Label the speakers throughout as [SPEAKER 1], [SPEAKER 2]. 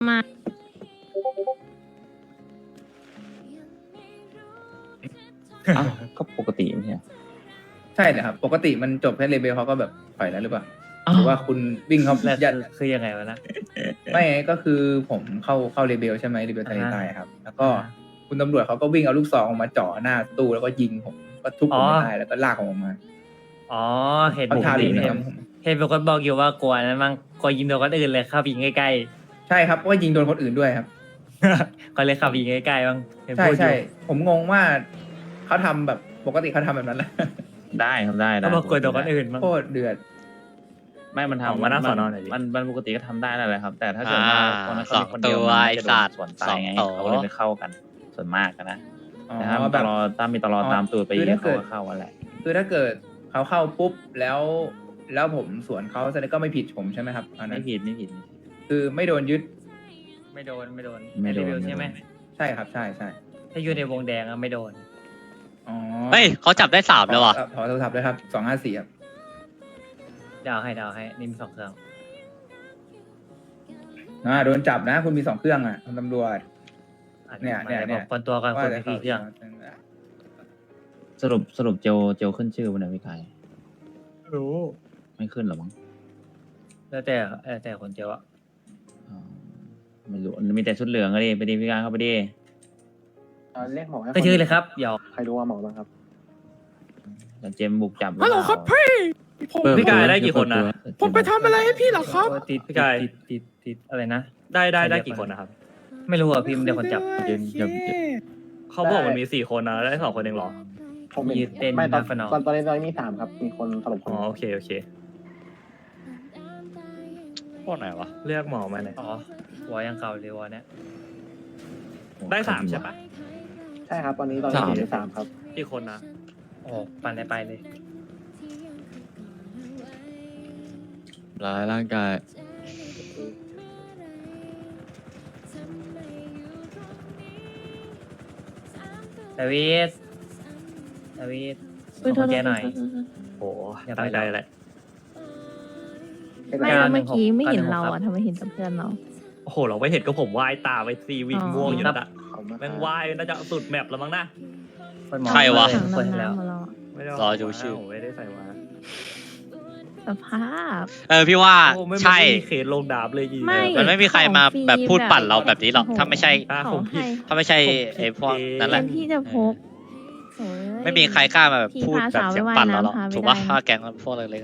[SPEAKER 1] มา
[SPEAKER 2] อ้าวก็ปกติไม่ใช่เหรอ
[SPEAKER 3] ใช่นะครับ ปกติมันจบแค่เลเบลเขาก็แบบปล่อยแล้วหรือเปล่า
[SPEAKER 2] อ้าว
[SPEAKER 3] หรือว่าคุณวิ่งเขา
[SPEAKER 4] แล้ว
[SPEAKER 3] ยัด
[SPEAKER 4] คือยังไงวะนะ
[SPEAKER 3] ไม่ไงก็คือผมเข้าเลเบลใช่ไหมเลเบลทะเลใต้ครับ แล้วก็
[SPEAKER 4] อ่า
[SPEAKER 3] คุณตำรวจเขาก็วิ่งเอาลูกซองออกมาจ่อหน้าตู้แล้วก็ยิงผมก็ทุบผมไม่ได้แล้วก็ลากผมออกมา
[SPEAKER 4] อ๋อเห็น
[SPEAKER 3] เขา
[SPEAKER 4] ปก
[SPEAKER 3] ทา
[SPEAKER 4] ติ
[SPEAKER 3] รุณนะค
[SPEAKER 4] เห็
[SPEAKER 3] รั
[SPEAKER 4] น
[SPEAKER 3] บผม
[SPEAKER 4] เห็นเป็นคนบอกอยู่ว่ากลัวนั้นมั้งกลัวยิงโดนคนอื่นเลยขับยิงใกล้
[SPEAKER 3] ใช่ครับเพราะว่ายิงโดนคนอื่นด้วยครับ
[SPEAKER 4] ๆ ก็เลยขับยิงใกล้ๆบ้างเห็น
[SPEAKER 3] ใช่
[SPEAKER 4] พูดอ
[SPEAKER 3] ใช่
[SPEAKER 4] ยู่
[SPEAKER 3] ผมงงว่าเขาทำแบบปกติเขาทำแบบนั้นแหละ
[SPEAKER 2] ได้ครับได้
[SPEAKER 4] ก็บอกกลัวโดนคนอื่นบ้าง
[SPEAKER 3] โคตรเดือด
[SPEAKER 2] ไม่มัน
[SPEAKER 4] ออก
[SPEAKER 2] ทำ
[SPEAKER 4] มาหน้าสอนอหน่อยดิ
[SPEAKER 2] มันปกติก็ทำได้นั่นแหละครับ แต่ถ้าเกิดว่าคนนั้นเขามีคนเดียว
[SPEAKER 5] สองตัว
[SPEAKER 2] มันก็จะโด
[SPEAKER 5] ไอ้สั
[SPEAKER 2] น
[SPEAKER 5] ตว์
[SPEAKER 2] ส่วนตายไง
[SPEAKER 5] สองตัว
[SPEAKER 2] เขาเลยไม่เข้ากันส่วนมากอะนะ
[SPEAKER 3] อ๋อ
[SPEAKER 2] แต่ถ้ามี
[SPEAKER 3] แบ
[SPEAKER 2] ต
[SPEAKER 3] บ
[SPEAKER 2] ลอดถ้ามีตลอดตามตัวไป
[SPEAKER 3] คือถ้าเกิ
[SPEAKER 2] เขา
[SPEAKER 3] ด
[SPEAKER 2] ก็เข้ากันแหละ
[SPEAKER 3] คือถ้าเกิดเขาเข้าปุ๊บแล้วผมสวนเขาแสดงก็ไม่ผิดผมใช่ไหมครับอันนั้
[SPEAKER 2] ไม่
[SPEAKER 3] น
[SPEAKER 2] ผิดไม่ผิด
[SPEAKER 3] คือไม่โดนยึด
[SPEAKER 4] ไม่โดน
[SPEAKER 2] ไม่โดน
[SPEAKER 4] รีวิวใช่ไหม
[SPEAKER 3] ใช่ครับใช่ใช่
[SPEAKER 4] ถ้าอยู่ในวงแดงอะไม่โดน
[SPEAKER 3] อ๋อ
[SPEAKER 5] เฮ้ยเขาจับได้3แล้วว่ะ
[SPEAKER 3] ขอโทรศัพท์ด้วยครับ254ครับ
[SPEAKER 4] ดาวให้นี่มี2 เครื่อง
[SPEAKER 3] โดนจับนะ คุณมี2 เครื่องอ่ะคุณตำรวจ
[SPEAKER 4] อ่ะ
[SPEAKER 3] เนี่ย
[SPEAKER 4] มา
[SPEAKER 3] เนี่ย
[SPEAKER 4] ดี๋ว
[SPEAKER 3] เนี่ย
[SPEAKER 4] บอกคนตัวกันคนมีกี่เครื่อง
[SPEAKER 2] สรุปเจลขึ้นชื่อวันไหนพี่กาย
[SPEAKER 4] รู้
[SPEAKER 2] ไม่ขึ้นหรอมั้ง
[SPEAKER 4] แล้วแต่คนเจียวอะ
[SPEAKER 2] อ๋อไม่รู้มีแต่ชุดเหลืองก็ดิไปดิพี่กายเข้าไปดิ
[SPEAKER 6] เรียกหมอให้
[SPEAKER 4] ก็ชื่อเลยครับเดี๋ยว
[SPEAKER 6] ใครรู้ว่าหมอบ้างครับ
[SPEAKER 2] เดี๋ยวเจมส์บุกจับ
[SPEAKER 7] ฮัลโหลครับพี่ผม
[SPEAKER 4] พี่กายได้กี่คนนะ
[SPEAKER 7] ผมไปทำอะไรให้พี่เหรอครับ
[SPEAKER 4] ติด
[SPEAKER 8] พี่กาย
[SPEAKER 4] ติดอะไรนะ
[SPEAKER 8] ได้กี่คนนะครับ
[SPEAKER 4] ไม่รู้อ่ะพี่มันเดี๋ยวคนจับ
[SPEAKER 2] เจมส์
[SPEAKER 8] เขาบอกมันมี4 คนนะได้2 คนเองเหรอ
[SPEAKER 6] ผม
[SPEAKER 4] ยืดเต้น
[SPEAKER 6] ไม่ตอน
[SPEAKER 4] นับฟนอ
[SPEAKER 6] ตอนนี้มี3ครับ มีคนสลบคน
[SPEAKER 8] อ๋อโอเค
[SPEAKER 5] พวกไหนวะ
[SPEAKER 8] เรียกหมอมาหน่อย
[SPEAKER 4] อ๋อวอยังเก่าเลยวอเนี่ย
[SPEAKER 8] ได้3ใช่ปะ
[SPEAKER 6] ใช่ครับ ตอนนี้อยู่ใน3ครับ
[SPEAKER 8] กี่คนนะ
[SPEAKER 4] โอ้ปั่นได้ไปเลย
[SPEAKER 9] ร้ายร่างกาย
[SPEAKER 4] ดาวิดขอแกหน่อย
[SPEAKER 8] โอ้
[SPEAKER 4] อย่าไป
[SPEAKER 8] ตั้งใจแหละ
[SPEAKER 1] ไม่แล้วเมื่อกี้ไม่เห็นเราอ่ะทำไมเห็นแต่เพื่อนเรา
[SPEAKER 8] โอ้โหเราไม่เห็นก็ผมว่ายตาไปซีวิ่ง
[SPEAKER 1] อ๋อ
[SPEAKER 8] ม่วงอยู่นั่นอะ
[SPEAKER 6] ขอบคุณมาก
[SPEAKER 8] แม่งว่ายน่าจะสุดแมปแล้วมั้งนะ
[SPEAKER 5] ใครวะ
[SPEAKER 4] เปิดให้แล้ว
[SPEAKER 1] ถังน้ำมาเราอะ
[SPEAKER 8] ไม่ได้
[SPEAKER 5] รอดูชื่อ
[SPEAKER 8] ผมไม่ได้ใส่มา
[SPEAKER 1] สภาพ
[SPEAKER 5] พี่ว่า
[SPEAKER 8] โอ้ไม่
[SPEAKER 5] ใช่
[SPEAKER 8] มีเคสลงดาบเลยอีก
[SPEAKER 1] ไม่
[SPEAKER 5] มันไม่มีใครมาแบบพูดปั่นเราแบบนี้หรอก
[SPEAKER 1] โโ
[SPEAKER 5] ถ้าไม่ใช่
[SPEAKER 1] ของให้
[SPEAKER 5] ถ้าไม่ใช่ไอ้พวกนั่นแห
[SPEAKER 1] แท
[SPEAKER 5] ละ
[SPEAKER 1] นที่จะพกโอ้ย
[SPEAKER 5] ไม่มีใครกล้ามาแบบพูดแบบเสียงปั่นเราหรอก
[SPEAKER 1] พี่พาสาวไป
[SPEAKER 5] ถูก
[SPEAKER 1] ว่าย
[SPEAKER 5] ปะ
[SPEAKER 1] น้ำ
[SPEAKER 5] ถ้าแก๊งพวกเล็กๆอะ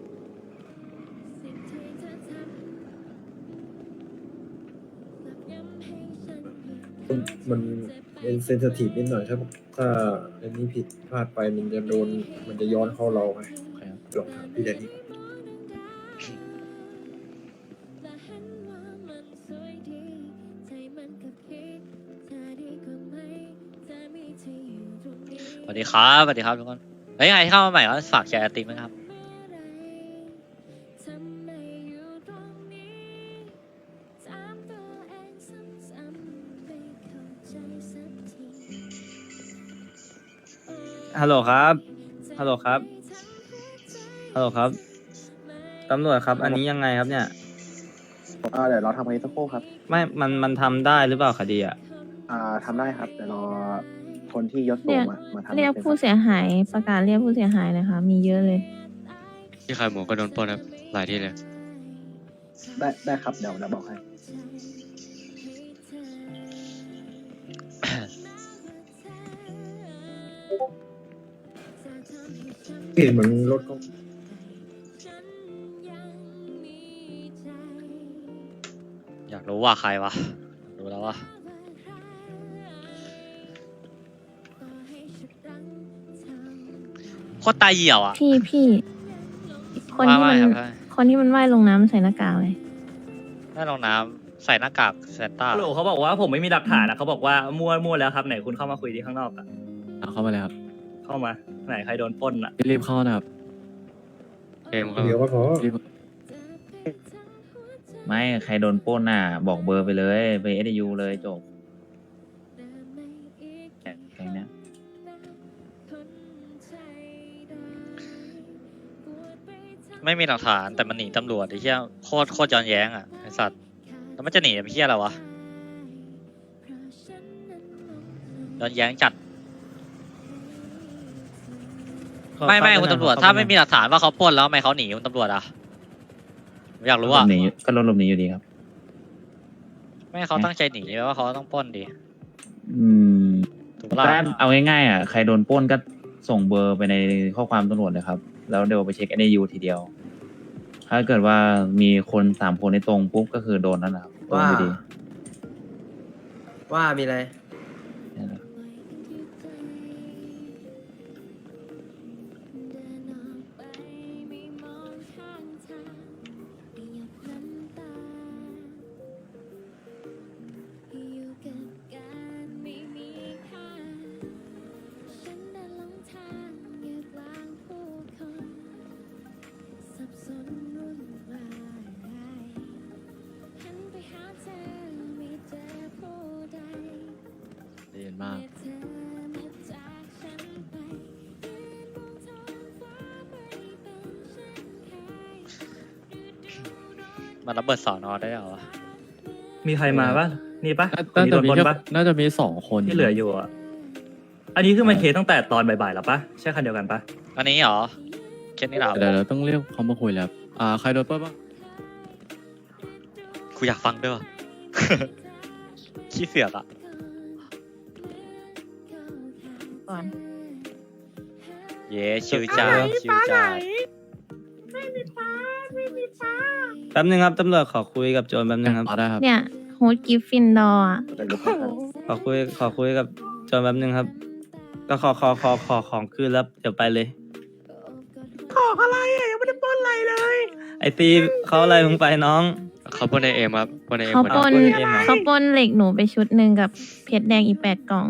[SPEAKER 10] มันเป็นเซนซิทีฟนิดหน่อยถ้าอันนี้ผิดพลาดไปมันจะย้อนเข้าเราไงลองถามพี่แดนนี่
[SPEAKER 5] สวัสดีครับสวัสดีครับทุกคนเฮ้ยใครเข้ามาใหม่ก็ฝากแชร์ไอติมไหมครับ
[SPEAKER 4] ฮัลโหลครับตำรวจครับ อันนี้ยังไงครับเนี่ย
[SPEAKER 6] เดี๋ยวเราทำคดีสักครู่ครับ
[SPEAKER 4] ไม่มันทำได้หรือเปล่าคดีอ่ะ
[SPEAKER 6] ทำได้ครับ เดี๋ยวรอคนที่ยศสูงมาทำ
[SPEAKER 1] เรียกผู้เสียหายประกาศเรียกผู้เสียหายนะคะ มีเยอะเลย
[SPEAKER 9] ที่ใครหมูก็โดนปล้นครับ หลายที่เลย
[SPEAKER 6] ได้ครับ เดี๋ยวบอกให้
[SPEAKER 10] เห็นเหมือนรถก็
[SPEAKER 5] อยากรู้ว่าใครวะรู้แล้วว่า โคตรตายเหี่ยวอ่ะ
[SPEAKER 1] พี่คนที่
[SPEAKER 5] ว่า
[SPEAKER 1] มัน
[SPEAKER 5] ครับ
[SPEAKER 1] คนที่มันว่ายลงน้ำใส่หน้ากากเลย
[SPEAKER 5] แม่ลงน้ำใส่หน้ากากแซนต้า
[SPEAKER 8] ฮัลโหลเขาบอกว่าผมไม่มีหลักฐานนะเขาบอกว่ามั่วแล้วครับไหนคุณเข้ามาคุยที่ข้างนอกอะ
[SPEAKER 9] เข้ามาเลยครับ
[SPEAKER 8] เข้ามาไหนใครโดนปล้นอะ
[SPEAKER 9] รีบเข้านะครับเกมครับ
[SPEAKER 10] เดี๋ยวก็พอ
[SPEAKER 9] รีบ
[SPEAKER 2] ไม่ใครโดนปล้นน่ะ บอกเบอร์ไปเลยไปเอสยูเลยจบแค่นี้
[SPEAKER 5] ไม่มีหลักฐานแต่มันหนีตำรวจไอ้เหี้ยโคตรย้อนแย้งอ่ะไอ้สัตว์แล้วมันจะหนีไปเฮียอะไรวะโดนแย้งจัดไม่คุณตำรวจถ้าไม่มีหลักฐานว่าเขาปล้นแล้วทำไมเขาหนีคุณตำรวจอ่ะผมอยากรู้
[SPEAKER 2] หล
[SPEAKER 5] อ่ะ
[SPEAKER 2] บหนีก็ลบหนีอยู่ดีครับ
[SPEAKER 5] ไม่ให้เขาตั้งใจหนีไหมว่าเขาต้องปล้นดี
[SPEAKER 2] อืม
[SPEAKER 5] ถูกปะล่ะ
[SPEAKER 2] ก็เอาง่ายๆอ่ะใครโดนปล้นก็ส่งเบอร์ไปในข้อความตำรวจเลยครับ แล้วเดี๋ยวไปเช็ค NAU ทีเดียว ถ้าเกิดว่ามีคน3 คนในตรงปุ๊บก็คือโดนนั่นแหละครับโดนอยู่ดี
[SPEAKER 11] ว่ามีอะไร
[SPEAKER 2] นั่นแหละ
[SPEAKER 9] เรียนมาก
[SPEAKER 5] มันระเบิดสอนอได้เหรอวะ
[SPEAKER 8] มีใครมาปะนี่ปะคน
[SPEAKER 9] น่า
[SPEAKER 8] นี้
[SPEAKER 9] จะ
[SPEAKER 8] โดน
[SPEAKER 9] มี
[SPEAKER 8] ปล้น
[SPEAKER 9] แค่
[SPEAKER 8] ปะ
[SPEAKER 9] น่าจะมี2 คน
[SPEAKER 8] ที่เหลืออยู่อ่ะ อันนี้คือมันเคสตั้งแต่ตอนบ่ายๆแล้วปะใช่คันเดียวกันปะ
[SPEAKER 5] อันนี้เหรอเคสนี้เหรอ
[SPEAKER 9] เดี๋ยวเราต้องเรียกเขามาคุยแล้วใครโดนปล้นบ้าง
[SPEAKER 5] กูอยากฟังด้วยวะ ขี้เสือกอ่ะ
[SPEAKER 1] ก่อน
[SPEAKER 5] เย้ชิวจ้าชิวจ้า
[SPEAKER 11] แป๊บนึงครับตำรวจขอคุยกับโจรแป๊บนึงครับ
[SPEAKER 9] ได้ครับ
[SPEAKER 1] เนี่ยโฮสกิฟฟินดอร์อะ
[SPEAKER 11] ขอคุยกับโจรแป๊บนึงครับ ก็ขอของคืนแล้วเดี๋ยวไปเลย
[SPEAKER 7] ของอะไรอ่ะยังไม่ได้ปล้นอะไรเลย
[SPEAKER 11] ไอตีเขาอะไรมึงไปน้อง
[SPEAKER 9] เขาปล้นในเอ็มครับปล้นในเอ็ม
[SPEAKER 1] เขาปล้น
[SPEAKER 11] คนเดียว
[SPEAKER 1] เขาปล้นเหล็กหนูไปชุดหนึ่งกับเพชรแดงอีก8 กล่อง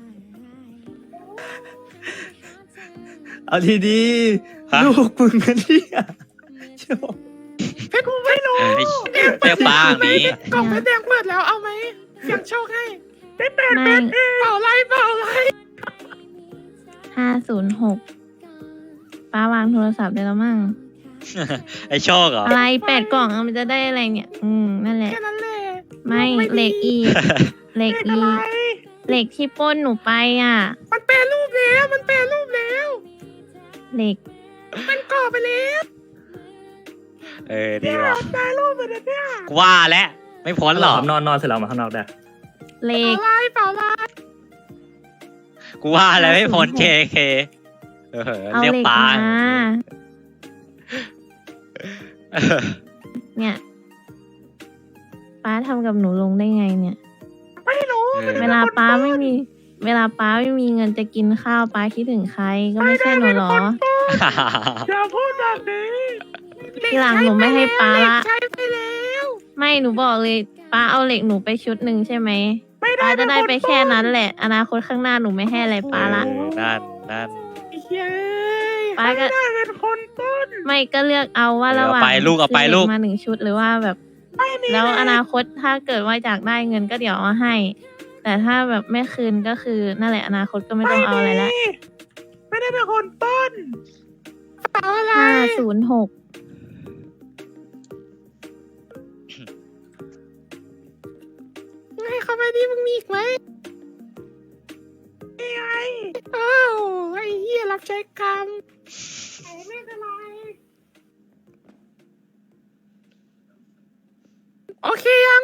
[SPEAKER 11] เอาดี
[SPEAKER 5] ฮะ
[SPEAKER 11] ๆลูกมึงกันเนี่ยโจ
[SPEAKER 7] เพชรกูไม่รู้
[SPEAKER 5] เรียกป้าอย่างนี้
[SPEAKER 7] กล่องเพชรแดงเปิดแล้วเอาไหมเสียงโชคให้ได้8
[SPEAKER 1] ไม่
[SPEAKER 7] เปล่าไรเปล่าไร
[SPEAKER 1] 506ป้าวางโทรศัพท์ได้แล้วมั่ง
[SPEAKER 5] ไอโชคเหรอ
[SPEAKER 1] อะไร8 กล่องอะมันจะได้อะไรเนี่ย นั่นแหละ
[SPEAKER 7] แค่นั้นแหละ
[SPEAKER 1] ไม่เหล็กอีกเหล็ก
[SPEAKER 7] เลข
[SPEAKER 1] อี
[SPEAKER 7] อะไร
[SPEAKER 1] กเหล็กที่ปล้นหนูไปอ่ะ
[SPEAKER 7] มันแปลรูปแล้วมันแปลรูปแล้ว
[SPEAKER 1] เหล็ก
[SPEAKER 7] มันก่อไปแล้ว
[SPEAKER 5] ดีว่ะ
[SPEAKER 7] แปลรูปเหมือนเนี่ย
[SPEAKER 5] กูว่าแล้วไม่พ้นหรอก
[SPEAKER 8] นอนเสร็จแล้วมาข้างนอกได้
[SPEAKER 1] เหล็ก
[SPEAKER 7] เปล่าไร
[SPEAKER 5] กูว่าแล้วไม่พ้น JK
[SPEAKER 1] เอา
[SPEAKER 5] เรียก
[SPEAKER 1] เหล็ก
[SPEAKER 5] ป้า
[SPEAKER 1] มาเนี่ยป้าทำกับหนูลงได้ไงเนี่ย เวลาป้าไม่มีเงินจะกินข้าวป้าคิดถึงใครก็ไม่ใช่หนูหรอ
[SPEAKER 7] อย่าพูดแบบนี้
[SPEAKER 1] ทีหลังหนูไม่ให้ป้าละ
[SPEAKER 7] ใช้ไปแล้ว
[SPEAKER 1] ไม่หนูบอกเลยป้าเอาเหล็กหนูไปชุดหนึ่งใช่ไหมป้าจะได้ไปแค่นั้นแหละ อนาคตข้างหน้าหนูไม่ให้อะไรป้าละ
[SPEAKER 5] นั่น
[SPEAKER 7] เย้ย
[SPEAKER 1] ป้าก็
[SPEAKER 7] ได้เป็นคนต้น
[SPEAKER 1] ไม่ก็เลือกเอาว่าระหว่าง
[SPEAKER 5] เอาไปลูก
[SPEAKER 1] ซื้เหมา1 ชุดหรือว่าแบบ
[SPEAKER 7] ไม่มี
[SPEAKER 1] แล้วอนาคตถ้าเกิดว่าอยากได้เงินก็เดี๋ยวเอาให้ แต่ถ้าแบบไม่คืนก็คือนั่นแหละอนาคตก็ไม่ต้องเอาอะไรละ
[SPEAKER 7] ไม่ได้เป็นคนต้นเปล่าอะไร
[SPEAKER 1] 506
[SPEAKER 7] ให้เขาไปดิมึงมีอีกไหมนี่ไงอ้าวไอ้เหี้ยรับใช้กรรมไม่เป็นไรโอเคยัง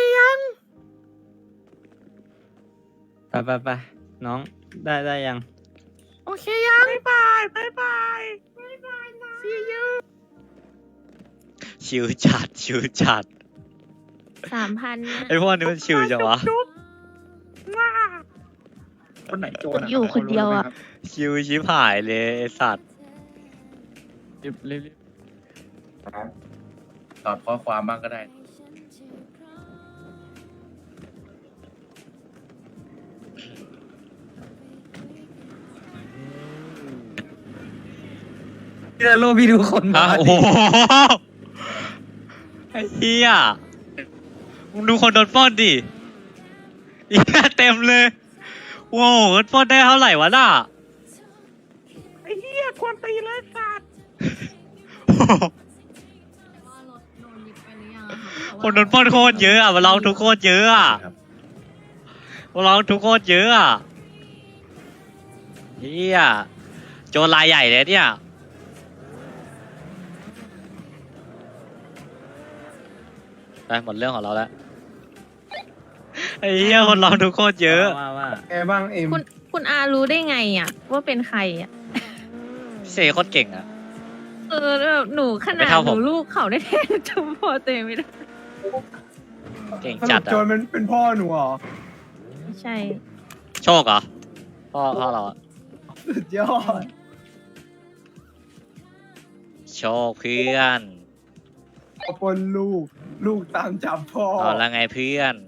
[SPEAKER 11] ไปน้องได้ยัง
[SPEAKER 7] โอเคยังบ๊ายบายนะ see you
[SPEAKER 5] ชิวจัด
[SPEAKER 1] 3,000นะ
[SPEAKER 5] ไอพวกนี้มันชิวจังวะ
[SPEAKER 3] คนไหนโจร
[SPEAKER 1] อยู่คนเดียวอ่ะ
[SPEAKER 5] ชิวชิบหายเลยไอสัตว์
[SPEAKER 9] รีบ
[SPEAKER 3] ตอบข้อความบ้างก็ได้
[SPEAKER 11] พี่โลพี่ดูคนมา
[SPEAKER 5] โอ้โหไอ้เหี้ยมึงดูคนโดนปล้นดิอีกเต็มเลยโว้วปล้นได้เท่าไหร่วะน่ะ
[SPEAKER 7] ไอ้เหี้ยควรตีเลยสัตว์
[SPEAKER 1] ว่ารถโดนยึดไปหรือยังอะคะ
[SPEAKER 5] คนโดนปล้นโคตรเยอะอ่ะมาลองทุกโคตรเยอะอ่ะ
[SPEAKER 2] ครับ
[SPEAKER 5] มาลองทุกโคตรเยอะอ่ะเฮียโจรรายใหญ่เลยเนี่ยไปหมดเรื่องของเราแล้วไอ้เหี้ยคนลองทุกโคตรเยอะ
[SPEAKER 11] ว่า
[SPEAKER 3] ไงบ้างเอ็ม
[SPEAKER 1] คุณอารู้ได้ไงอ่ะ ว่าเป็นใครอ่ะ
[SPEAKER 5] เซโคตรเก่งอ่ะ
[SPEAKER 1] แบบหนูข
[SPEAKER 5] ไม่
[SPEAKER 1] นาด
[SPEAKER 5] เท่า
[SPEAKER 1] ห
[SPEAKER 5] ผม
[SPEAKER 1] นูลูกเขาได้แท้จำพอตัวเองไม่ได้
[SPEAKER 5] เก่งจัดอ่ะ
[SPEAKER 3] มันเป็นพ่อหนูเหรอ
[SPEAKER 1] ไม่ใช่
[SPEAKER 5] โชคเหรอพ่อเราอะ
[SPEAKER 3] สุดยอด
[SPEAKER 5] โชคเพื่อน
[SPEAKER 3] ปนลูกตามจับพ่อ
[SPEAKER 5] เอาละไงเพื่อน